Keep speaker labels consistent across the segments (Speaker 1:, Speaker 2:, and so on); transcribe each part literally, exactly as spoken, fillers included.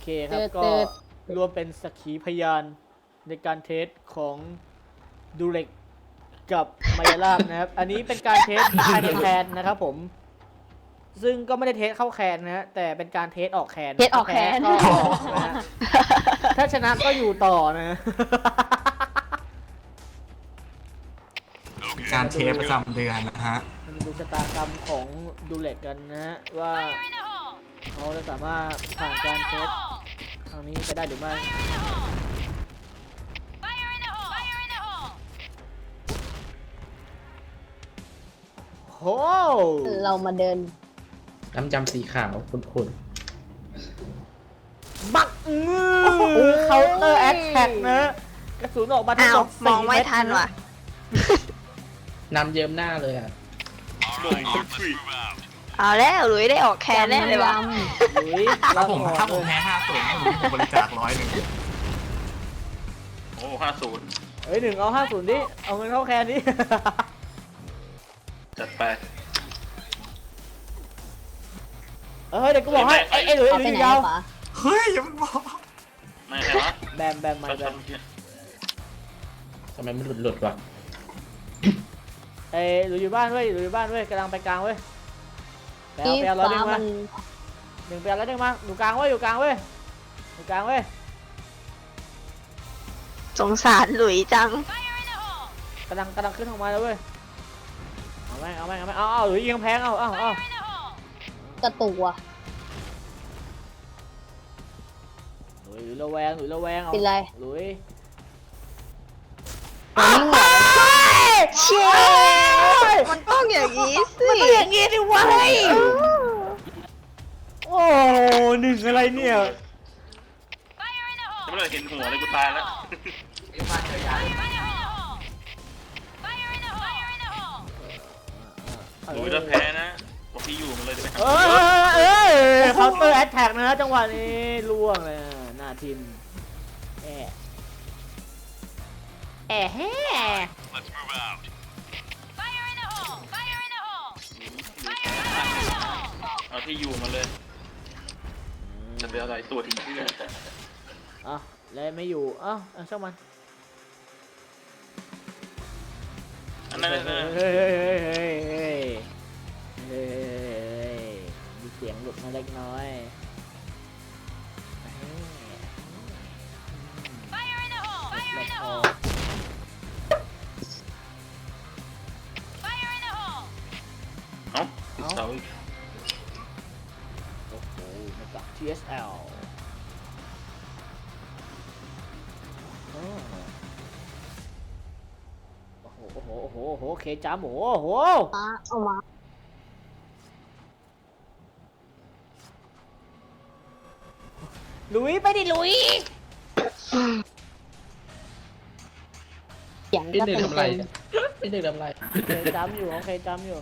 Speaker 1: ครับก็รวมเป็นสักขีพยานในการเทสของดูเล็กกับมายาลาบนะครับ อันนี้เป็นการเทสภายในแคนนะครับผมซึ่งก็ไม่ได้เทสเข้าแคนนะฮะแต่เป็นการเทสออกแคน
Speaker 2: เทสออกแคน
Speaker 1: ก็ออกนะฮะถ้าชนะก็อยู่ต่อนะ
Speaker 3: การเทปประจำเดือนนะฮะ
Speaker 1: มาดูชะตากรรมของดูเล็กกันนะฮะว่าเขาจะสามารถผ่านการเทสครั้งนี้ไปได้หรือไม่โห
Speaker 2: เรามาเดิน
Speaker 4: น้ำจำสีขาวคุณ
Speaker 1: บักมือเคาน์เตอร์แอคแท็กนะกระสุนออกมาทั้งหมด
Speaker 2: มอง
Speaker 1: สี่
Speaker 2: ไม่
Speaker 1: เม็ด
Speaker 2: ทันว่ะ
Speaker 4: นำเยิ้มหน้าเลยอ่ะ
Speaker 2: เอาแล้วหลุยได้ออกแคนแน่เลยว่ะ
Speaker 1: หรือ
Speaker 3: ถ้าผมถ้าผมแพ้ห้าศูนย์ผมบริจาคร้อยหนึ่งโอ้ห้าศูนย์
Speaker 1: เฮ้ยหนึ่งเอาห้าศูนย์ดิเอาเงินเข้าแคนดิ
Speaker 3: จัดไป
Speaker 1: เฮ้ยเด็กก็บอกให้ไอ้ไอ้หลุยไอ้
Speaker 2: เอา
Speaker 1: ห
Speaker 2: ไป
Speaker 1: ลุย
Speaker 2: ไหน
Speaker 1: ยาว
Speaker 2: ปะ
Speaker 3: เฮ้ยอย่ามาบอกไม่ใช่วะ
Speaker 1: แบมแบมไม่แบม
Speaker 4: ทำไมมันหลุดหลุดวะ
Speaker 1: ไอ้หลุยอยู่บ้านเว้ยหลุยอยู่บ้านเว้ยกำลังไปกลางเว้ยไปเอา
Speaker 2: ที่
Speaker 1: ไปเอาร้อยหนึ่ง
Speaker 2: ฟ้า
Speaker 1: มา
Speaker 2: มัน
Speaker 1: หนึ่งไปเอาร้อยหนึ่งมาอยู่กลางเว้ยอยู่กลางเว้ยอยู่กลางเว้ย
Speaker 2: สงสารหลุยจัง
Speaker 1: กำลังกำลังขึ้นออกมาแล้วเว้ยเอาแม่งเอาแม่งเอาแม่งเอาเอาหลุยยิงแพงเอาเอาเอา
Speaker 2: กระตุกว่ะ
Speaker 1: หลุยหลุยระแวงหลุยระแวงเอา
Speaker 2: เป็นไร
Speaker 1: หลุย
Speaker 2: เชี่ยมันต้องอย่างนี้สิ
Speaker 1: มันต้องอย่างงี้ดิวะโอ้หนึ่งอะไรเนี่ย
Speaker 3: ไม่เลยเห็นหัวเลยกูตายแล้วหลุยจะแพ้นะบอกพี่อยู่มันเลยจะไปหา
Speaker 1: เออเออเคาน์เตอร์แอตแทกนะฮะจังหวะนี้ล่วงเลยหน้าทีมแอะแอะแฮ่
Speaker 3: เอาที่อยู่มาเลยจะไปอะไรตัวทิ้งที่เลย
Speaker 1: อ่ะแล้วไม่อยู่อ้าวช่างมัน
Speaker 3: อันนั้น
Speaker 1: เฮ้ยเฮ้ยเฮ้ยเฮ้ยเฮ้ยเฮ้ยมีเสียงหลุดมาเล็กน้อย
Speaker 3: เอ้าเสา
Speaker 1: โอ้โหมาจาก ที เอส แอล โอ้โห โอ้โห โอ้โห โอ้โห เคจ้าหมูโอ้โห
Speaker 2: มาเอามา
Speaker 1: หลุยไปดิหลุย
Speaker 2: เสียง
Speaker 4: ไอ้
Speaker 2: ก็
Speaker 4: หนึ่ง
Speaker 2: เต็ม
Speaker 4: ทำไร
Speaker 2: เต็ม
Speaker 4: ไอ้หนึ่งทำไร
Speaker 1: เคจ้ำอยู่โอเคจ้ำอยู่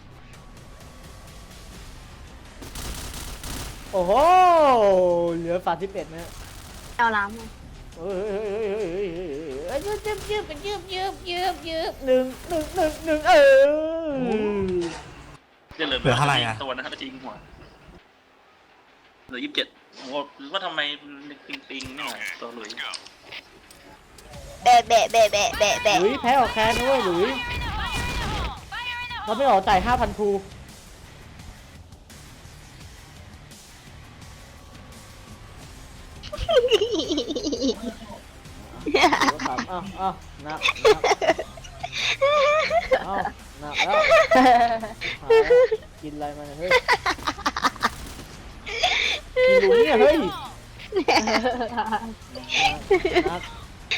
Speaker 1: โอ้โห เหลือฝาที่เป็ดนะ
Speaker 2: เอาน้ำมา
Speaker 1: เฮ้ยเฮ้ยเฮ้ยเฮ้ยเฮ้ยเฮ้ยเฮ้ยยืบยืบยืบยืบยืบยืบยืบหนึ่งหนึ่งหนึ่งหนึ่งเออ
Speaker 3: จะเหลือเหลืออะไรอ่ะตัวนะครับจริงหัวเหลือยี่สิบเจ็ดโอ้โหว่าทำไมปิงปิงเนี่ยตัวหลุย
Speaker 2: แบะแบะแบะแบะแบะแบะ
Speaker 1: หลุยแพ้ออกแคนด้วยหลุยเราไม่ออกจ่ายห้าพันภูอ้าวอ้าวหนักอ้าวหนักแล้วกินอะไรมาเนี่ยเฮ้ยกินหลุยเนี่ยเฮ้ยหนัก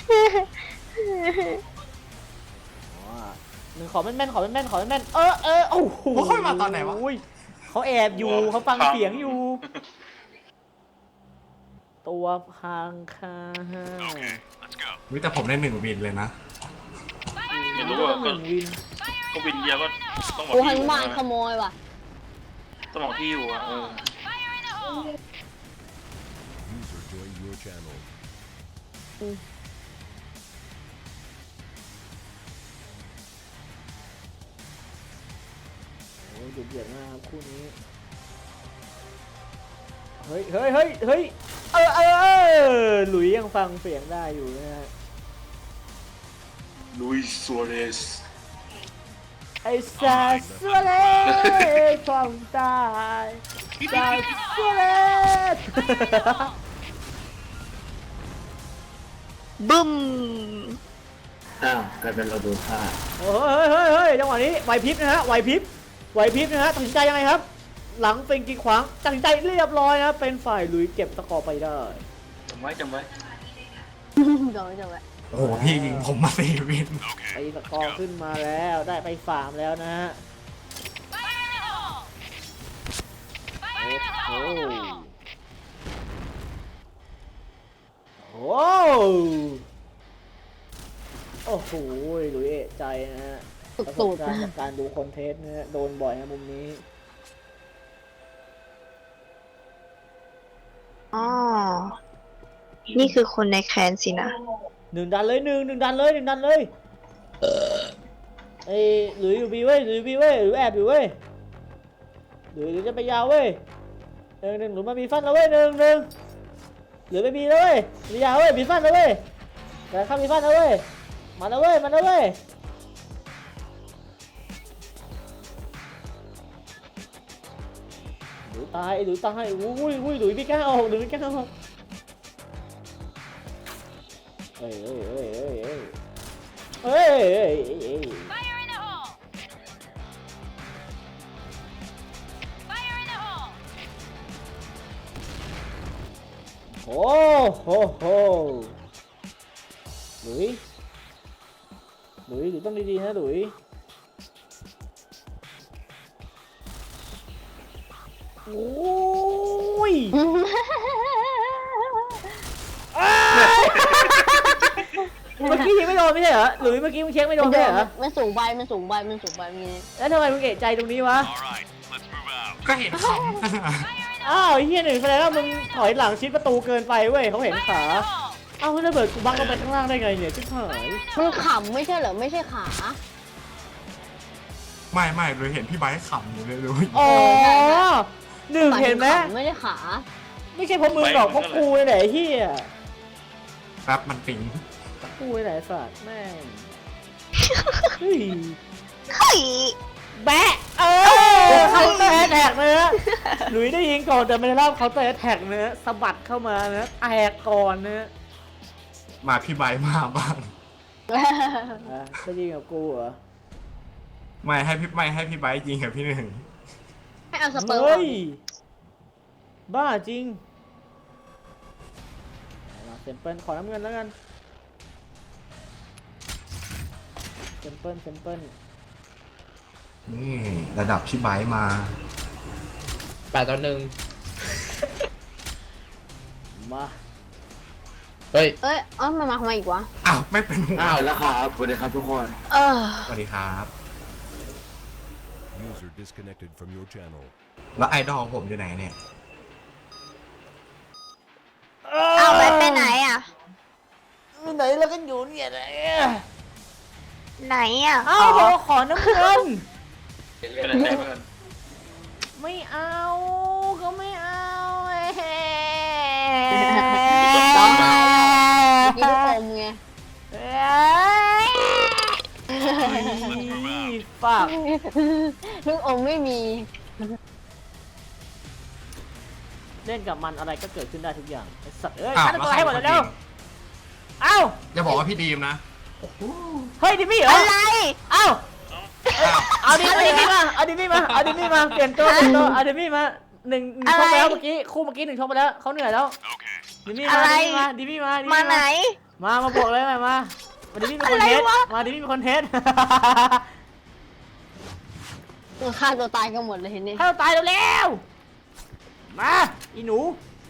Speaker 1: หนึ่งขอแม่นๆขอแม่นๆขอแม่นๆเออเออโอ้โหมาตอนไหนวะเขาแอบอยู่เขาฟังเสียงอยู่ตัวพังค่ะ
Speaker 3: วิแต่ผมได้หนึ่งวินเลยนะไม่รู้ว่าก็ก็วินเดียวก็ต้องบอก
Speaker 2: กู
Speaker 3: ที่
Speaker 2: หั
Speaker 3: อน ยู่
Speaker 2: มาขโมยว่ะ
Speaker 3: ต้องบอกที่อยู่อ่ะเออ
Speaker 5: User joined your channel.
Speaker 1: โอ้ยดุเดือดมากครับคู่นี้เฮ้ยเฮ้ยเฮ้ยเฮ้ยเออเออเออหลุยยังฟังเสียงได้อยู่นะฮะ
Speaker 3: ลุยซัวเรส
Speaker 1: ไอ้ซาสเลความตายซาสเล
Speaker 2: บึ้ม
Speaker 6: อ้าวกลายเป็นเราโดนฆ่า
Speaker 1: เฮ้ยเฮ้ยเฮ้ยจังหวะนี้ไหวพริบนะฮะไหวพริบไหวพริบนะฮะตัดสินใจยังไงครับ หลังเป็นกีขวางตัดสินใจเรียบร้อยนะเป็นฝ่ายหลุยเก็บตะกอไปได้
Speaker 3: จำไว้จำไว้
Speaker 2: จบจบแล้ว
Speaker 7: โอ้โหพี่ยิงผมมาสี่วิน
Speaker 1: ไปตะกอขึ้นมาแล้วได้ไปสามแล้วนะฮะโอ้โหโอ้โอ้โหหลุยเอะใจนะฮะประสบการณ์จากการดูคอนเทนต์นะฮะโดนบ่อยนะมุมนี้
Speaker 2: อ๋อ นี่คือคนในแคนสินะ
Speaker 1: หนึ่งดันเลยหนึ่งหนึ่งดันเลยหนึ่งดันเลยไอ้หลุยอยู่บีเว้ยหลุยอยู่บีเว้ยหรือแอบอยู่เว้ยหรือหรือจะไปยาวเว้ยหนึ่งหนึ่งหรือมามีฟันแล้วเว้ยหนึ่งหนึ่งหรือไปบีแล้วเว้ยมียาวเว้ยมีฟันแล้วเว้ยแต่เข้ามีฟันแล้วเว้ยมาแล้วเว้ยมาแล้วเว้ยหลุยตายหลุยตายอุ้ยอุ้ยหลุยไม่กล้าออกหลุยไม่กล้าออกเฮ้ยเฮ้ยเฮ้ยเฮ้ยเฮ้ยเฮ้ยเฮ้ยเฮ้ยโอ้โหโหหลุยหลุยหลุยต้องดีๆนะหลุยโอ้ยเมื่อกี้ยิงไม่โดนไม่ใช่เหรอหรือเมื่อกี้มึงเช็คไม่โดนไม่ใช่เหรอ
Speaker 2: มันสูงไปมันสูงไปมันสูงไปมี
Speaker 1: แล้วทำไมมึงเอะใจตรงนี้วะ
Speaker 7: ก็เห็นเขา
Speaker 1: อ้าวไอ้เฮียหนึ่งแสดงว่ามึงถอยหลังชิดประตูเกินไปเว้ยเขาเห็นขาเอ้าแล้วระเบิดกูบังลงไปข้างล่างได้ไงเนี่ยชิบหาย
Speaker 2: มันขำไม่ใช่เหรอไม่ใช่ขา
Speaker 7: ไม่ไม่เลยเห็นพี่ไบค์ขำอยู่เลยเลย
Speaker 1: อ๋อหนึ่งเห็นไหม
Speaker 2: ขำไม่ได้ขา
Speaker 1: ไม่ใช่เพราะมึงหรอกเพราะกูนี่แหละไอ้เฮีย
Speaker 7: แป๊บมันปิง
Speaker 1: กูนี่แหละไอ้สัตว์แม่งเฮ้ย
Speaker 2: เฮ้ย
Speaker 1: แบะเออเขาเตะแท็กเนื้อหลุยได้ยิงก่อนแต่ไม่ได้รับเขาเตะแท็กเนื้อสะบัดเข้ามาเนื้อแตกก่อนเนื้อ
Speaker 7: มาพี่ไบค์มาบ้าง
Speaker 1: อ่ะจะยิงกับกูเหรอ
Speaker 7: ไม่ให้พี่ไม่ให้พี่ไบค์ยิงกับพี่หนึ่ง
Speaker 2: ให้เอาสเปิร์ม
Speaker 1: เฮ้ยบ้าจริงเอาเซมเปิลขอน้ำเงินแล้วกันเซมเปิลเซมเปิล
Speaker 7: นี่ระดับพี่ไบค์มา
Speaker 4: แปดต่อหนึ่ง
Speaker 1: มา
Speaker 4: เฮ้ย
Speaker 2: เอ้ยเอ้ยมันมาทำไมอีกวะ
Speaker 7: อ้าวไม่เป็นหัว
Speaker 6: อ้าวแล้วครับสวัสดีครับทุกคน
Speaker 2: เออ
Speaker 7: สวัสดีครับ
Speaker 5: User disconnected from your channel.
Speaker 7: แล้วไอดอลผมอยู่ไหนเนี่ย
Speaker 2: เอาไปไปไหนอ่ะ
Speaker 1: ไหนแล้วกันอยู่เนี่ยไหนอะ
Speaker 2: ไหนอ่ะ
Speaker 1: เอ้าวบอกขอน้ำเงิน
Speaker 3: เป็นอะไรเพื่อน
Speaker 1: ไม่เอาเขาไม่เอาเอ้ย
Speaker 2: กินลูกอมไง
Speaker 1: เอ้ยฝาก
Speaker 2: ลูกอมไม่มี
Speaker 1: เล่นกับมันอะไรก็เกิดขึ้นได้ทุกอย่างไอ้สัตว์เอ้ย
Speaker 7: อ้าว
Speaker 1: ฆ่าตัวให้หมดเลยเร็วเอ้า
Speaker 7: อย่าบอกว่าพี่ดีมนะ
Speaker 1: เฮ้ยดิมี่เหรอ
Speaker 2: อะไร
Speaker 1: เอ้าเอาดิเอาดิมี่มาเอาดิมี่มาเอาดิมี่มาเปลี่ยนตัวเปลี่ยนตัวเอาดิมี่มาหนึ่งหนึ่งชกไปแล้วเมื่อกี้คู่เมื่อกี้หนึ่งชกไปแล้วเขาเหนื่อยแล้วดิมี่มาดิมี่มาดิมี่มาดิ
Speaker 2: มา
Speaker 1: มี่
Speaker 2: ไหน
Speaker 1: มามาบวกเลยมามามาดิมี่เป็นคนเทส
Speaker 2: อะไรวะ
Speaker 1: มาดิมี่เป็นคนเทส
Speaker 2: ฆ่าตัวตายกันหมดเลยเห็นนี่
Speaker 1: ให้เราตายเร็วๆมาอีหนู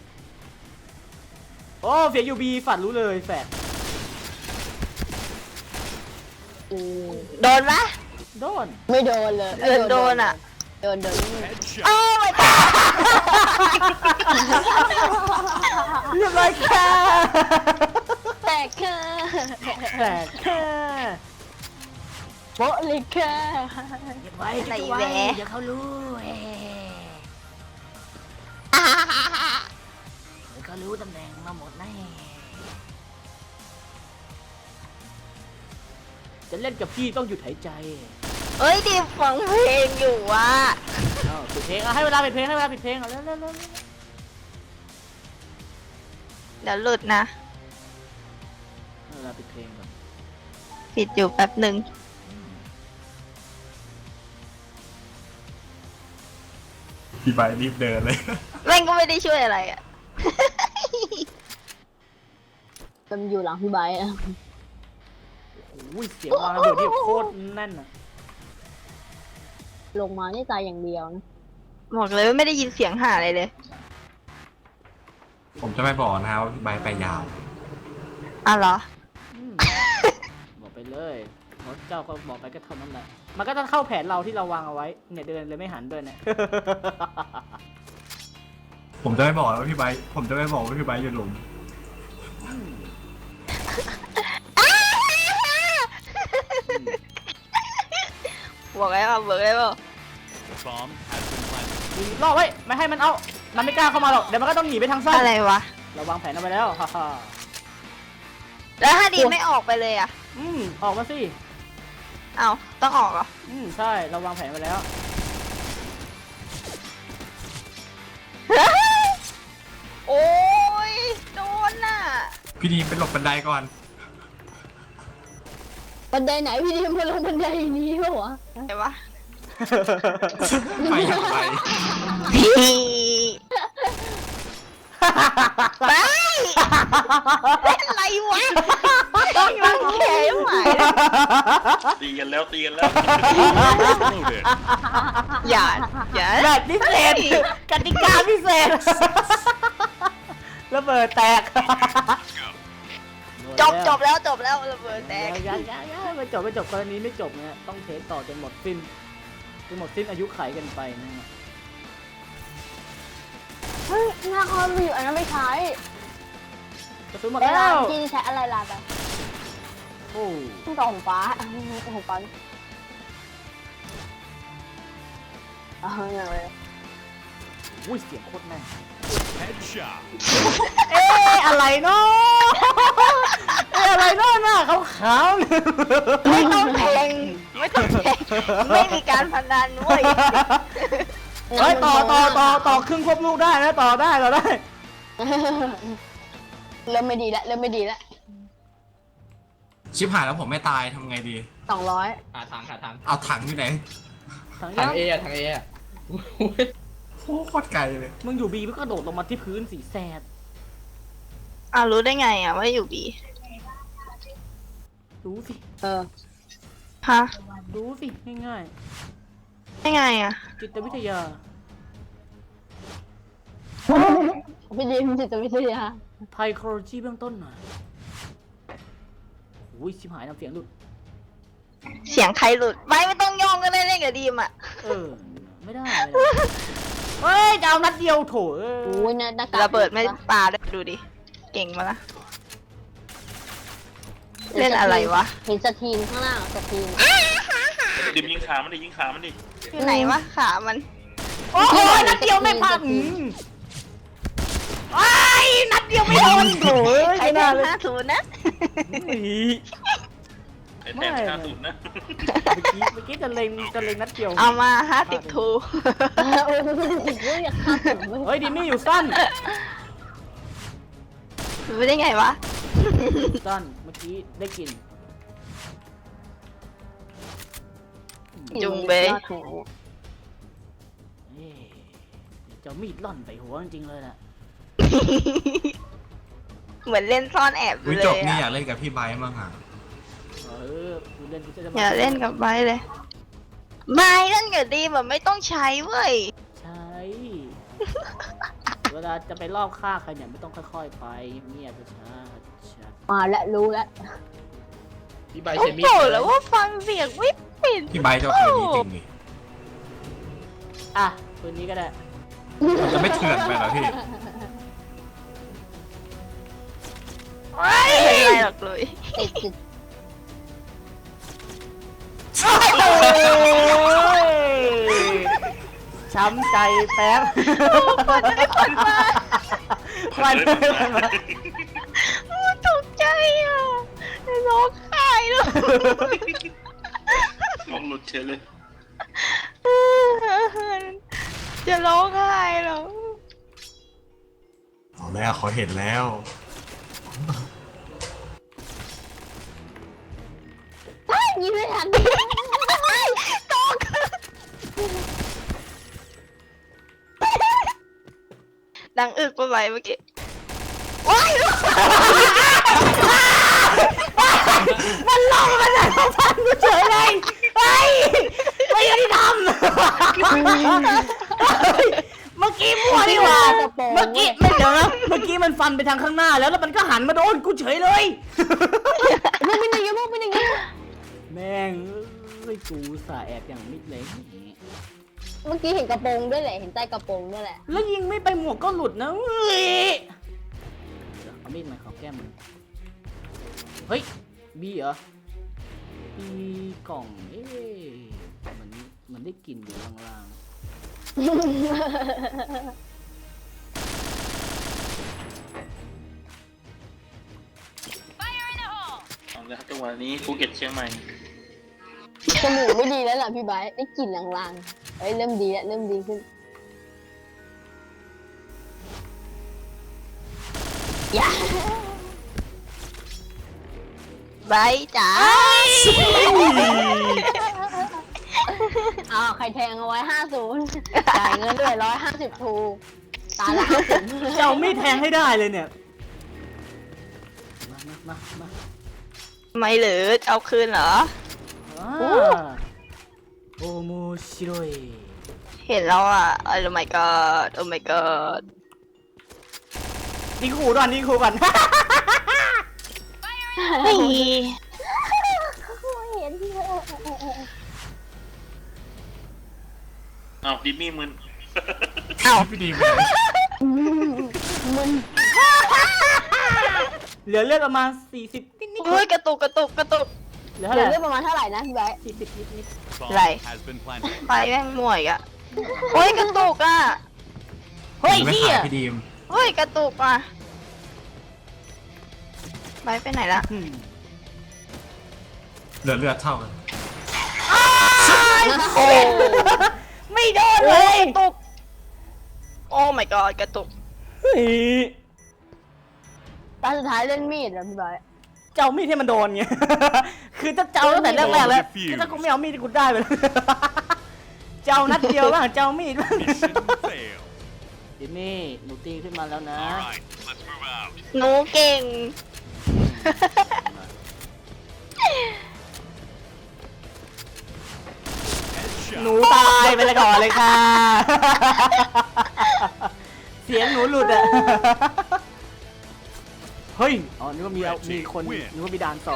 Speaker 1: โอ้เฟียยูบีฝัดรู้เลยแฝด
Speaker 2: โดนปะ
Speaker 1: โดน
Speaker 2: ไม่โดนเลย
Speaker 8: เอิญโดนอะ
Speaker 2: โดนโดน
Speaker 5: Headshot.
Speaker 2: โอ้ยตาย
Speaker 1: เรียบร้อยค่ะ
Speaker 2: แตกค่ะ
Speaker 1: แฝดค่ะ
Speaker 2: โป๊ะเลยค่ะ
Speaker 1: เก็บไว้เก็บ
Speaker 8: ไหน
Speaker 1: ไว้
Speaker 8: แหวะ
Speaker 1: เดี๋ยวเขารู้เฮ้เดี๋ยวเขาก็รู้ตำแหน่งมาหมดแน่จะเล่นกับพี่ต้องหยุดหายใจ
Speaker 2: เอ้ยดีฟังเพลงอยู่ว่ะ
Speaker 1: อ้าวปิดเพลงเอาให้เวลาปิดเพลงให้เวลาปิดเพลงเอาเร็วเร็วเร็ว
Speaker 2: เดี๋ยวหลุดนะ
Speaker 1: ให้เวลาปิดเพลงก่อน
Speaker 2: ปิดอยู่แป๊บหนึ่ง
Speaker 7: พี่ไบร์ทรีบเดินเลย
Speaker 2: แม่งก็ไม่ได้ช่วยอะไรอ่ะ
Speaker 8: มันอยู่หลังพี่ไบร์ทอะ
Speaker 1: โอ้ยเสียงวางระเบิดนี่โคตรแน่นอะ
Speaker 8: ลงมานี่ตายอย่างเดียวนะ
Speaker 2: บอกเลยว่าไม่ได้ยินเสียงหาอะไรเลย
Speaker 7: ผมจะไม่บอกนะว่าพี่ไบร์ทไปยาว
Speaker 2: อ่ะเหรอ
Speaker 1: อืมบอกไปเลยเพราะเจ้าก็บอกไปก็เท่านั้นแหละมันก็ต้องเข้าแผนเราที่เราวางเอาไว้เนี่ยเดินเลยไม่หันด้วยเนี่ย
Speaker 7: ผมจะไม่บอกว่าพี่ไบร์ทผมจะไม่บอกว่าพี่ไบร์ทอยู่หลุม
Speaker 2: บอกไว้ป่ะบอกไว้ป่ะ
Speaker 1: ยิงล่อไว้ไม่ให้มันเอา มันไม่กล้าเข้ามาหรอก เดี๋ยวมันก็ต้องหนีไปทางซ้าย
Speaker 2: อะไรวะ
Speaker 1: เราวางแผนเอาไปแล้ว ฮ่าฮ่า
Speaker 2: แล้วถ้าดีไม่ออกไปเลยอ่ะ
Speaker 1: อืมออกมาสิ
Speaker 2: เอาต้องออกเหรอ
Speaker 1: อืมใช่ เราวางแผนไว้แล้ว
Speaker 2: โอ้ยโดนน่ะ
Speaker 7: พี่ดีมไปหลบบันไดก่อน
Speaker 8: บันไดไหนพี่ดิมมาลงบันไดนี้ปะวะ
Speaker 2: ไหนวะ
Speaker 7: ไปอย่างไร
Speaker 2: พี่ไปเล่นอะไรวะยังแข็งไหว
Speaker 3: ตีกันแล้วตีกันแล้ว
Speaker 2: อย่าอย่า
Speaker 1: แบบพิเศษกติกาพิเศษ ระเบิดแตก
Speaker 2: จบจบแล้วจบแล้วระเบิดแตก
Speaker 1: ยังยังยังไม่จบไม่จบกรณีไม่จบนะต้องเทสต่อจนหมดสิ้นจนหมดสิ้นอายุไขกันไปนะฮะ
Speaker 8: เฮ้ยหน้าคอมมีอยู่อันนั้นไม่ใช้
Speaker 1: กระสุนหมด
Speaker 8: แล้
Speaker 1: แล้ว ว
Speaker 8: ที่ใช้อะไรล่ะแบบ
Speaker 1: โอ้
Speaker 8: ต้องต่อของฟ้าของฟ้าเอาอย่างเลย
Speaker 1: อุ้ยเสียงโคตรแม่น
Speaker 5: Headshot.
Speaker 1: เอ๊ะอะไรเนาะเอ๊ะอะไรเนาะหน้าขาวๆเนี่ย
Speaker 2: ไม่ต้องแทงไม่ต้องแทงไม่มีการพนันเว้ย
Speaker 1: เฮ้ยต่อต่อต่อต่อครึ่งควบลูกได้นะต่อได้ต่อได้
Speaker 8: เริ่มไม่ดีแล้วเริ่มไม่ดีแล้ว
Speaker 7: ชิบหายแล้วผมไม่ตายทำไงดี
Speaker 8: สองร้อย
Speaker 4: หาทางหาทาง
Speaker 7: เอาถังอยู่ไหน
Speaker 1: ทาง
Speaker 4: ทาง
Speaker 1: ยัง
Speaker 4: เออะทางเออะ
Speaker 7: โอ้โคตรไกลเลย
Speaker 1: มึงอยู่บีมึงก็โดดลงมาที่พื้นสีแสด
Speaker 2: อ่ะรู้ได้ไงอ่ะว่าอยู่บี
Speaker 1: รู้สิ
Speaker 8: เออ
Speaker 2: ฮะ
Speaker 1: รู้สิง่าย
Speaker 2: ได้ไงอ่ะ
Speaker 1: ๆจิตวิทยา
Speaker 8: พี่ดิมจิตวิทยา
Speaker 1: ไพโครโลจีเบื้องต้นหน่อยโอ้ยชิบหายน้ำเสียงหลุด
Speaker 2: เสียงใครหลุดไม่ไม่ต้องย่องก็ได้เล่นกับดีมอ่ะ
Speaker 1: เออไม่ได้ไม่ได้เฮ้ยจะเอานัดเดียวโถเอ้ย
Speaker 8: โอ้ยหน้ากาก
Speaker 2: ระเบิดไม่ปาด้วยดูดิเก่งมาละเล่นอะไรวะ
Speaker 8: เห็นสตรีนข้างล่างสตรีน
Speaker 3: ดิมยิงขามันดิยิงขามันดิ
Speaker 2: อยู่ไหนวะขามัน
Speaker 1: โอ้โหนัดเดียวไม่พังไอ้ยนัดเดียวไม่โดนโถเอ้ย
Speaker 2: ใคร
Speaker 1: ไม่
Speaker 2: ได้
Speaker 1: น่าเลย
Speaker 2: ห้าศูนย์นะ
Speaker 1: อุ้ย
Speaker 3: ไอ้แทนห้าศูนย์นะ
Speaker 1: เมื่อกี้เมื่อกี้จะเล็งจะเล็งนัดเดียว
Speaker 2: เอามาห้าสิบทู
Speaker 8: โอ้ยอยากฆ่าผม
Speaker 1: เฮ้ยดิมี่อยู่สั้น
Speaker 2: รู้ได้ไงวะ
Speaker 1: สั้นเมื่อกี้ได้กลิน
Speaker 2: จุงเบย
Speaker 8: รอดหัวเนี่ย
Speaker 1: เอ๊ะเจ้ามีดล่อนใส่หัวจริงๆเลยน่ะ
Speaker 2: เหมือนเล่นซ่อนแอบอ
Speaker 7: วิ
Speaker 2: ยู่เล
Speaker 7: จบ
Speaker 2: ย
Speaker 7: นี่อ
Speaker 2: อะ
Speaker 7: ยากเล่นกับพี่ไบร์ทมั้งอ่ะ
Speaker 1: เออกูเล่นกูจะมา
Speaker 2: อย่าเล่นกับไบร์ทเลยไม่เล่นกับดีแบบไม่ต้องใช้เว้ย
Speaker 1: ใช่ เวลาจะไปลอบฆ่าใครเนี่ยไม่ต้องค่อยๆไปเงียบๆช้าๆ
Speaker 8: มาแล้วรู้แล้ว
Speaker 4: พี่ใบ
Speaker 2: โอ้
Speaker 4: เชมิ
Speaker 2: โหแล้วว่าฟังเสียงไม่ปิด
Speaker 7: พี่ไบร์ทเจ้าคืนนี้จริงนี่
Speaker 1: อ่ะปืนนี้ก็ได้
Speaker 7: มันจะไม่เถื่อนไปเหรอพี่
Speaker 2: ไม่เป็นไรหรอกเลย
Speaker 8: ติดจิต
Speaker 1: ช้ำใจแป๊บ
Speaker 2: คนได้คนมา
Speaker 1: ไควัน
Speaker 2: ตกใจอ่ะร้องไห้เลย
Speaker 3: ลงหลุดเฉยเลย
Speaker 2: จะร้องไห้แล้ว
Speaker 7: เอาแล้วเขาเห็นแล้ว
Speaker 8: เฮ้ยยิงไม่ทัน
Speaker 2: ตกดังอึกไปไหมเมื่อกี้ว้าย
Speaker 1: มันลงมาจากสะพานกูเฉยเลยเฮ้ยไม่ยุติธรรมเมื่อกี้มั่วนี่หว่าเมื่อกี้ไม่เดี๋ยวนะเมื่อกี้มันฟันไปทางข้างหน้าแล้วแล้วมันก็หันมาโดนกูเฉยเลย
Speaker 8: มันเป็นอย่างนี้มันเป็นอย่างนี้
Speaker 1: แม่งเอ้ยกูสาแอบอย่างมิดเลย
Speaker 8: เมื่อกี้เห็นกระโปรงด้วยแหละเห็นใต้กระโปรงด้วยแหละ
Speaker 1: แล้วยิงไม่ไปหมวกก็หลุดนะเว้ยเดี๋ยวเอามีดมาขอแก้มมึงเฮ้ยบีเหรอบีกล่องเอ๊ะมันมันได้กลิ่นอยู่ล่างๆ
Speaker 3: เอาละครับจังหวะนี้ภูเก็ตเชียงใหม่
Speaker 8: จมูกไม่ดีแล้วล่ะพี่ไบร์ทได้กลิ่นลางๆเฮ้ยเริ่มดีแล้วเริ่มดีขึ้นอย่า
Speaker 2: ใบจ๋า
Speaker 8: อ้าวใครแทงเอาไว้ห้าศูนย์จ่ายเงินด้วยร้อยห้าสิบทูตาละห้าสิบ
Speaker 1: จะเอามีดแทงให้ได้เลยเนี่ย มามามามา
Speaker 2: ไม่เหรือจะเอาคืนเหรอ
Speaker 1: อ่าโอโมชิโรย
Speaker 2: เห็นแล้วอ่ะ โอ้ my god โอ้ my god
Speaker 1: ดีขู่ก่อนดีขู่ก่อน
Speaker 2: เฮ้ย
Speaker 8: เห็นที่เธอ
Speaker 3: เอาดิมมี่มึน
Speaker 2: เอ้า
Speaker 7: พี่ดีไปไหน
Speaker 8: มึน
Speaker 1: เหลือเลือดประมาณสี่สิบนิดนิด
Speaker 2: โอ้ยกระตุกกระตุกกระตุก
Speaker 1: เหลือ
Speaker 8: เห
Speaker 1: เท่า
Speaker 8: ลื
Speaker 1: ไห
Speaker 8: อ
Speaker 1: ร่
Speaker 8: เลือดประมาณเท่าไหร่นะพี่ไบร์ท
Speaker 1: สี่สิบนิดนิด
Speaker 5: Bomb
Speaker 2: Right.
Speaker 5: has been planted.
Speaker 2: ไฟแม่งมั่วอีกอ่ะโอ้ยกระตุกอ่ะ
Speaker 1: เฮ้ย
Speaker 7: ไม่
Speaker 1: เฮี
Speaker 7: ขาย ยพี่ดีม
Speaker 2: เฮ้ยกระตุกอ่ะใบไปไหนละ
Speaker 1: อืม
Speaker 7: เหลือเลือดเท่ากัน
Speaker 2: โอ้
Speaker 1: ไม่โดนเลย
Speaker 2: กระตุกโอ้ my god กระตุก
Speaker 1: เฮ้ย
Speaker 8: ตาสุดท้ายเล่นมีดเหรอพี่ไบร์ท
Speaker 1: เจ้ามีดให้มันโดนไง คือถ้าเจ้าตั้งแต่แรกๆแล้วคือถ้ากูไม่เอามีดกูได้ไปแล้ว เจ้านัดเดียวบ้างเจ้ามีดบ้าง
Speaker 5: Mission failed.
Speaker 1: ดิมี่หนูตีขึ้นมาแล้วนะ
Speaker 5: All right, let's move out.
Speaker 2: หนูเก่ง
Speaker 1: หนูตายไปเลยก่อนเลยค่ะ เสียงหนูหลุดอะ เฮ้ย อ๋อ นึกว่ามีเอามีคน นึกว่ามีด่านสอง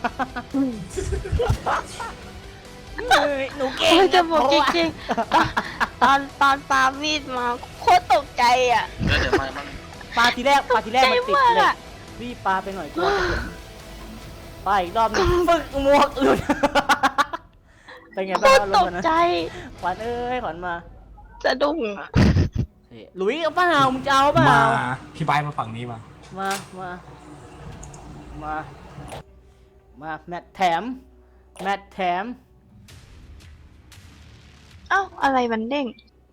Speaker 1: เฮ้ย หนูเก่ง
Speaker 2: โอ้ยจะบอก
Speaker 1: เพ
Speaker 2: จ
Speaker 1: ราะว่า
Speaker 2: ริงๆตอนตอนปามีดมาโคตรตกใจอ่ะ
Speaker 3: แล้วเดี๋ยวมาบ้าง
Speaker 1: ปลาทีแรกปลาทีแรกมันติด
Speaker 2: ใจมาก
Speaker 1: เลย
Speaker 2: อะ
Speaker 1: รีบปลาไปหน่อยกลัวจะเห็นปลาอีกรอบหนึงฟึกหมวกหลุด เป็นไง
Speaker 2: โค
Speaker 1: บ้าง
Speaker 2: ตร
Speaker 1: ล
Speaker 2: ต
Speaker 1: ง
Speaker 2: ก
Speaker 1: มานะ
Speaker 2: ใจ
Speaker 1: ขวัญเอ้ยขวัญมา
Speaker 2: สะดุ้งอะ
Speaker 1: เฮ้ยหลุยเอาเปล่ามึงจะเอาเป
Speaker 7: มา
Speaker 1: ล่า
Speaker 7: พี่ไบร์ทมาฝั่งนี้มา
Speaker 1: มา มา มา มา แมทแถม แมทแถม
Speaker 2: เอ้าอะไรมันเด้ง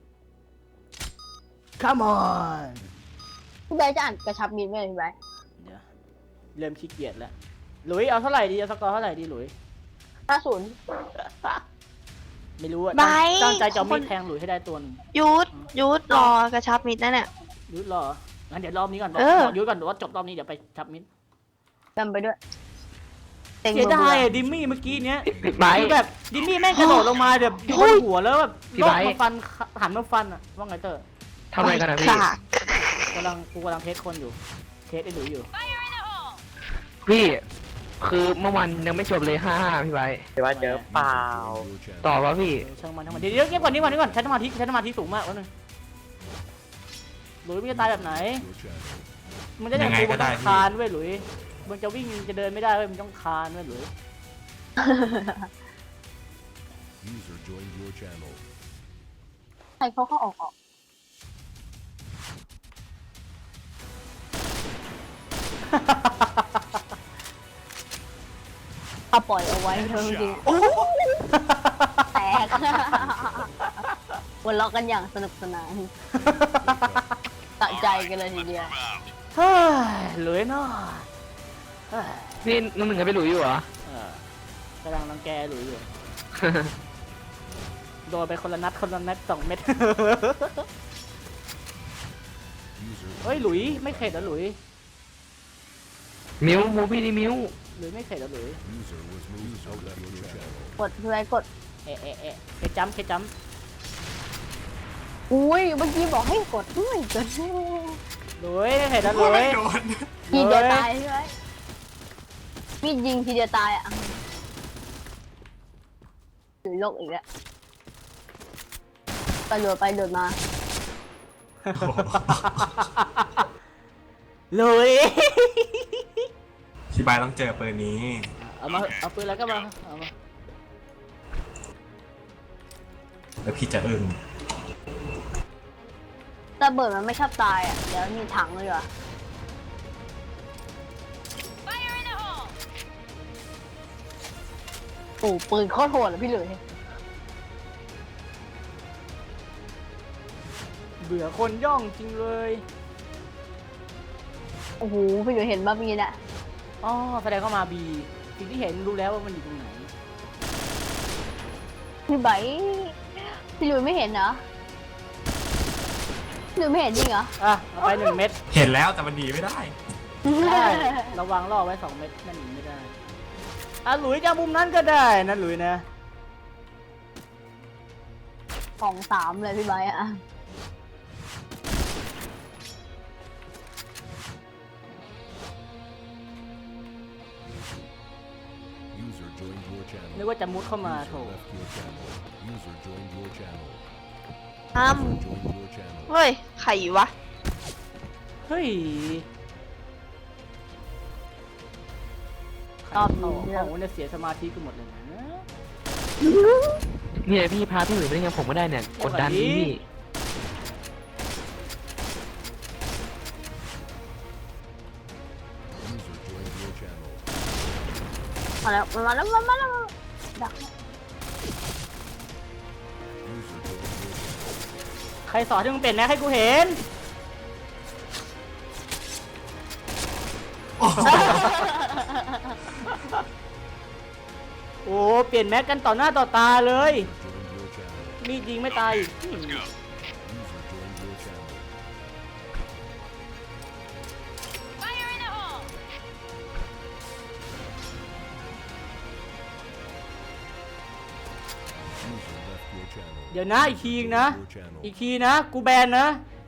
Speaker 1: come on
Speaker 8: พี่ไบร์ทจะอ่านกระชับมีดไหมพี่ไบร์ท
Speaker 1: เดี๋ยว เริ่มขี้เกียจแล้ว หลุยเอาเท่าไหร่ดีเอาสกอร์เท่าไหร่ดีหลุย
Speaker 8: ห้าศูนย์
Speaker 1: ไม่รู้อะ
Speaker 2: ไบ
Speaker 1: ตั้ง
Speaker 2: ร์ท
Speaker 1: ตั้งใจจะเอามีด
Speaker 2: คน
Speaker 1: แทงหลุยให้ได้ตัวหนึง
Speaker 2: ยุดยุดรอกระชับมิดนะเนี่ย
Speaker 1: ยุดรองั้นเดี๋ยวรอบนี้ก่อน
Speaker 2: เออ
Speaker 1: ยุดก่อนเดี๋ยวว่าจบรอบนี้เดี๋ยวไปทับมิด
Speaker 8: จำไปด้วยเต็ง
Speaker 1: เสีย
Speaker 8: เบอร์
Speaker 1: ดาย
Speaker 8: เบอ
Speaker 1: อะ
Speaker 8: ร์
Speaker 1: ดิมมี่เมื่อกี้เนี้ย
Speaker 4: ไบร์ท
Speaker 1: คือแบบดิมมี่แม่งกระโดดลงมาแบบอยู่บนหัวแล้วแบบ
Speaker 4: พี่
Speaker 1: โดด
Speaker 4: ไบร์ท
Speaker 1: มาฟันหันมาฟันอะว่าไงเตอร์
Speaker 4: ทำอะไรกันนะพี่
Speaker 2: ค่ะ
Speaker 1: กำลังกูกำลังเทสคนอยู่ เทสไอ้หลุยอยู่
Speaker 4: พี่ คือเมื่อวันยังไม่จบเลยห้าห้าพี่ไบร์ท
Speaker 5: User joined your channel.
Speaker 4: ต่อวะพี่
Speaker 1: เออช่างมันช่างมันเดี๋ยวเดี๋ยวเก็บก่อนนี่ก่อนนี่ก่อนใช้สมาธิใช้สมาธิสูงมากวะนึงหลุยมันจะตายแบบไหน
Speaker 5: Your channel.
Speaker 1: มันจะอย่าง
Speaker 7: ยังไง
Speaker 1: กู
Speaker 7: ก็
Speaker 1: มัน
Speaker 7: ได้
Speaker 1: ต้อง
Speaker 7: พี่
Speaker 1: คานเว้ยหลุยมันจะวิ่งจะเดินไม่ได้เว้ยมันต้องคานเว้ยหลุย
Speaker 5: User joined your channel.
Speaker 8: ใครเขาเข้าออกออกเอาปล่อยเอาไว้เถอะจริงๆแตกหัวเราะกันอย่างสนุกสนานตะใจกันเลยทีเดียว
Speaker 1: เฮ้ยหลุยเนาะเฮ้ย
Speaker 4: นี่น้องหนึ่งจะไปหลุยอยู่เหรอ
Speaker 1: เออกำลังรังแกหลุยอยู่ โดนไปคนละนัดคนละนัดสองเม็ด
Speaker 5: User
Speaker 1: เฮ้ยหลุยไม่เข็ดเหรอหลุย
Speaker 4: มิวมูพี่นี่มิว
Speaker 1: หลุยไม่เข็ดเหรอหลุย
Speaker 5: user was moved out of your channel.
Speaker 8: กดพี่ไว้กด
Speaker 1: เอะเอะเอะเคจัมเคจัม
Speaker 8: อุ้ยเมื่อกี้บอกให้กดด้วยกด
Speaker 1: หลุยไม่เข็ดเหรอหลุย
Speaker 8: ทีเดียวตายใช่ไหมมีดยิงทีเดียวตายอ่ะหรือโลกอีกแล้วกระโดดไปโดดมา
Speaker 1: หลุย
Speaker 7: พี่ไบร์ทต้องเจอปืนนี้
Speaker 1: เอามาเอาปืนแล้วก็มาเอามา
Speaker 7: แล้วพี่จะอึ้ง
Speaker 8: ระเบิดมันไม่ชอบตายอ่ะ เดี๋ยวมีถังเลยว่ะโอ้ปืนโคตรโหดเลยพี่หลุย
Speaker 1: เบื่อคนย่องจริงเลย
Speaker 8: โอ้โหพี่หลุยเห็นบ้ามีน่ะ
Speaker 1: อ๋อแสดงเข้ามาบีสิ่งที่เห็นรู้แล้วว่ามันอยู่ตรงไหน
Speaker 8: พี่ไบร์ทพี่หลุยไม่เห็นเหรอพี่หลุยไม่เห็นจริงเหรอ
Speaker 1: อ่ะเอาไปหนึ่งเม็ด
Speaker 7: เห็นแล้วแต่มันดีไม่ได้
Speaker 1: ได้ระวังล่อไว้สองเม็ดนั่นหนีไม่ได้อ่ะหลุยจะมุมนั้นก็ได้นะหลุยนะ
Speaker 8: ของสามเลยพี่ไบร์ทอ่ะ
Speaker 5: User joined your channel.
Speaker 1: นึกว่าจะมุดเข้ามาโถ
Speaker 5: User left your channel. User joined your channel.
Speaker 2: อ้าม
Speaker 5: User joined your channel.
Speaker 2: เฮ้ยใครวะ
Speaker 1: เฮ้ย
Speaker 8: รอบ
Speaker 1: โอ้
Speaker 8: นี้
Speaker 1: โหเนี่ยเสียสมาธิกันหมดเลยนะ
Speaker 4: เนี่ยพี่พาพี่หลุยไปได้ไงผมก็ได้เนี่ยกดดันพี่
Speaker 5: User joined your channel.
Speaker 8: มาแล้วมาแล้วมาแล้วดัก
Speaker 5: User joined your channel.
Speaker 1: ใครสอนที่มึงเป็นนะให้กูเห็น โอ้เปลี่ยนแม็กกันต่อหน้าต่อตาเลย
Speaker 5: Joined your channel.
Speaker 1: มีดยิงไม่ตายอีก
Speaker 5: User joined your channel. User left your channel.
Speaker 1: เดี๋ยวนะอีกทีนะ
Speaker 5: Your channel.
Speaker 1: อีกทีนะ กูแบนนะ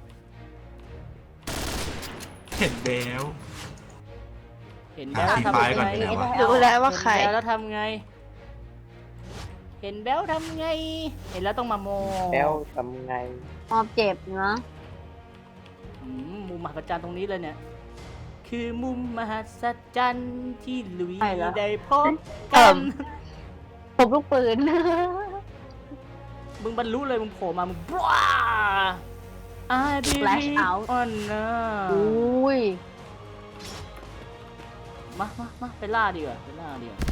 Speaker 7: เห็นแล้ว
Speaker 1: เห็นแล้วแล้ว
Speaker 7: หา
Speaker 1: ทำ
Speaker 7: ที่
Speaker 1: ไง
Speaker 7: ไปก่อนเป็นไงวะ
Speaker 2: รู้แล้วว่าใคร
Speaker 1: เห็นแล้วแล้วทำไง เห็นแล้วทำไง เห็นแล้วต้องมาโม
Speaker 4: แล้วทำไง
Speaker 8: มอบเจ็บนะ
Speaker 1: อืมมุมมหัศจรรย์ตรงนี้เลยเนี่ย คือมุมมหัศจรรย์ที่หลุยได้พบกัน
Speaker 8: ผมลูกปืน
Speaker 1: มึงบรรลุเลยมึงโผล่มา มึงว้า I
Speaker 8: Flash
Speaker 1: believe
Speaker 8: out
Speaker 1: on นะ
Speaker 8: อุ้ย
Speaker 1: มามามาไปล่าดีกว่าไปล่าดีกว่า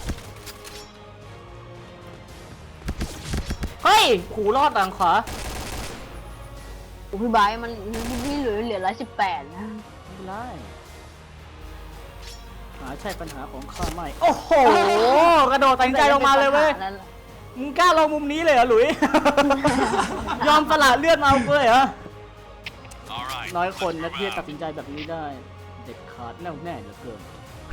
Speaker 1: เฮ้ยขู่รอดหลังขวา
Speaker 8: โอ้พี่ไบร์ทมันพี่หลุยเหลือร้อยสิบแปดนะ
Speaker 1: ไม่เป็นไรหาใช่ปัญหาของข้าไม่ โอ้โห กระโดดตัดสินใจลงมาเลยเว้ย
Speaker 8: นั่นแหละ
Speaker 1: มึงกล้าลงมุมนี้เลยเหรอหลุย ยอมสละเลือดมาเอาเลยเหรอ น้อยคนนะที่จะตัดสินใจแบบนี้ได้ เด็ดขาดแน่วแน่เหลือเกิน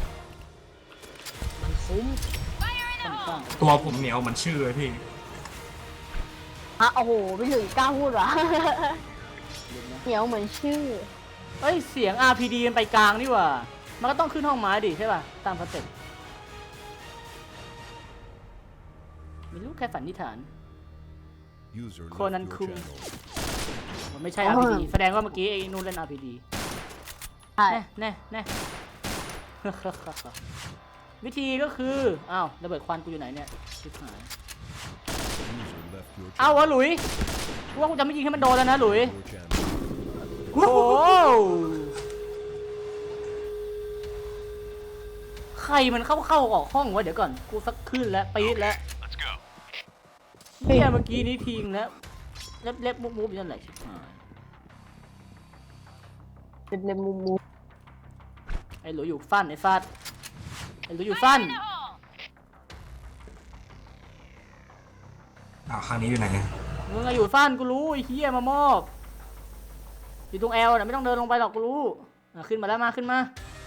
Speaker 1: มันคุ้มค่อนข้าง
Speaker 7: ตัวผมเหนียวเหมันชื่อเลยพี่
Speaker 8: ฮะโอ้โหพี่หลุยกล้าพูดเหรอ
Speaker 1: เดี๋ยวนะ
Speaker 8: เหนียวเหมือนชื่อ
Speaker 1: เอ้ย เสียง อาร์ พี ดี มันไปกลางนี่หว่า มันก็ต้องขึ้นห้องไม้ดิใช่ป่ะ ตามสเต็ปไม่รู้ใครฝันนิษฐาน
Speaker 5: User left
Speaker 1: Conan
Speaker 5: your
Speaker 1: Kum.
Speaker 5: channel.
Speaker 1: มันไม่ใช่
Speaker 8: อ๋อ
Speaker 1: อาร์ พี ดี แสดงว่าเมื่อกี้ไอ้นู่นเล่น อาร์ พี ดี
Speaker 8: ใช่
Speaker 1: แน่แน่แน่ วิธีก็คือ อ้าวระเบิดควันกูอยู่ไหนเนี่ยชิบหาย
Speaker 5: User left your
Speaker 1: เอา
Speaker 5: channel.
Speaker 1: วะหลุยกูว่ากูจะไม่ยิงให้มันโดนแล้วนะหลุย
Speaker 5: Your channel.
Speaker 1: โอ้โหใครมันเข้าเข้าออกห้องวะเดี๋ยวก่อนกูสักขึ้นแล้วปี๊ดแล้วเนี่ยเมื่อกี้นี้ทิ้งแล้วเล็บเล็บมุบมุบอยู่นั่นแหละชิบหาย
Speaker 8: เป็นเลมูมู
Speaker 1: ไอ้หลุยอยู่ฟันไอ้ฟัดไอ้หลุยอยู่ฟัน
Speaker 7: อ้าวครั้งนี้อยู่ไหน
Speaker 1: มึงอะอยู่ฟันกูรู้ไอ้เฮียมามอบอยู่ตรงแอลนะไม่ต้องเดินลงไปหรอกกูรู้อ่ะขึ้นมาแล้วมาขึ้นมา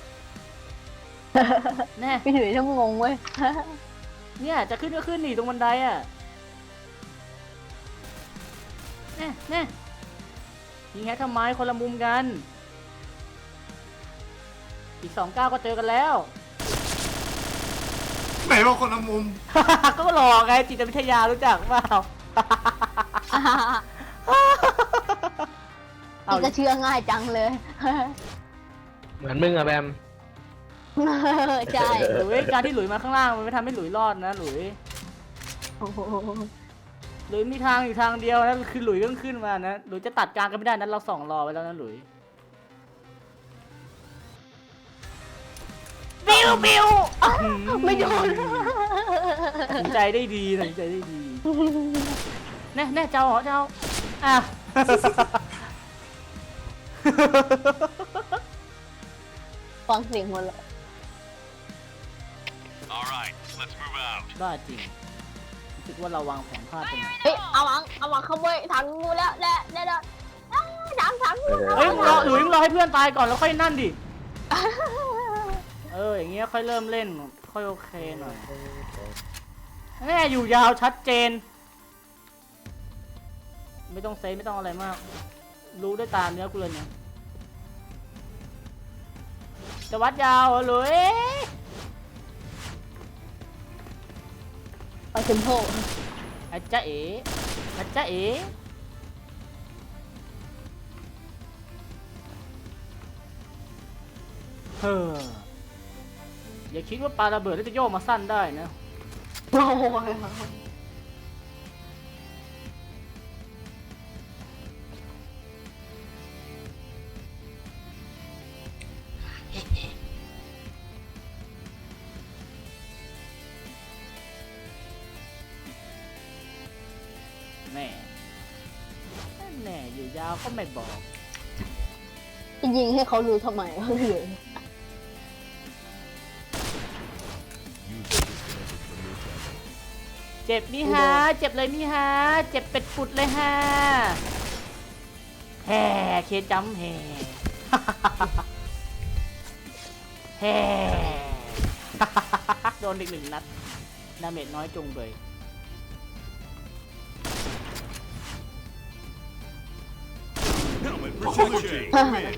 Speaker 1: แน่
Speaker 8: พี่ถือช่างงงเว้ย
Speaker 1: เนี่ยจะขึ้นก็ขึ้นนี่ตรงบันไดอ่ะแน่แน่ยิงแฮกทำไมคนละมุมกันอีกสองก้าวก็เจอกันแล้ว
Speaker 7: ไหนบอกคนละมุม
Speaker 1: ก็หลอกไงจิตวิทยารู้จักเปล่า เอา
Speaker 8: นี่ก็เชื่อง่ายจังเลย
Speaker 4: เหมือนมึงอะแบม
Speaker 8: ใช่
Speaker 1: หลุยการที่หลุยมาข้างล่างมันไม่ทำให้หลุยรอดนะหลุย
Speaker 8: โอ้โห
Speaker 1: หลุยมีทางอยู่ทางเดียวนะคือหลุยต้องขึ้นมานะหลุยจะตัดกลางกันไม่ได้นั้นเราส่องรอไว้แล้วนะหลุยบิวบิว
Speaker 8: ไม่โดน
Speaker 1: ตัดสินใจได้ดีตัดสินใจได้ดีแน่แน่เจ้าเหรอเจ้าอ่ะ
Speaker 8: ฟังเสียงหมดเลย
Speaker 1: บ้าจริงรู้สึกว่าเราวางแผนพลาดไปหน่อย
Speaker 8: เฮ้ยเอาหวังเอาหวังขโมยถังงูแล้วและและและถังถังงู
Speaker 1: เฮ้ยมึงรอหลุยมึงรอให้เพื่อนตายก่อนแล้วค่อยนั่นดิ เอออย่างเงี้ยค่อยเริ่มเล่นค่อยโอเคหน่อยแน่อยู่ยาวชัดเจน ไม่ต้องเซฟไม่ต้องอะไรมาก รู้ด้วยตาเนื้อกูเลยเนี่ยจะวัดยาวเหรอหลุย
Speaker 8: ไปถึงโผล่
Speaker 1: อาจ๊ะเอ๋อาจ๊ะเอ๋เฮ้ออย่าคิดว่าปลาระเบิดแล้วจะโยกมาสั้นได้นะ
Speaker 8: โอ้ย
Speaker 1: แม่แน่อยู่ยาวก็ไม่บอก
Speaker 8: จะยิงให้เขารู้ทำไมวะเหลือ
Speaker 5: User disconnected from your channel.
Speaker 1: เจ็บนี่ฮะ เจ็บเลยนี่ฮะ เจ็บเป็ดปุดเลยฮะแฮ่เคจัมแฮ่ แฮ่ โดนอีกหนึ่งนัดดาเมจน้อยจงเลย
Speaker 5: Helmet reloading. Win.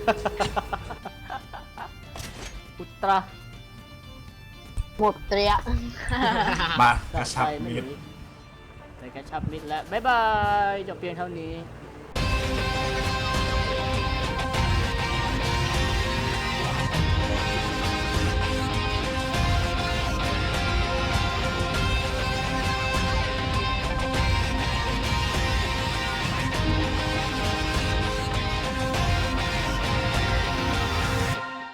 Speaker 1: อุตรา
Speaker 8: หมดเตรีย
Speaker 7: มากระชับ
Speaker 1: ไม่
Speaker 7: มิด
Speaker 1: หนีไปกระชับมิดแล้ว บ๊ายบายจบเพียงเท่านี้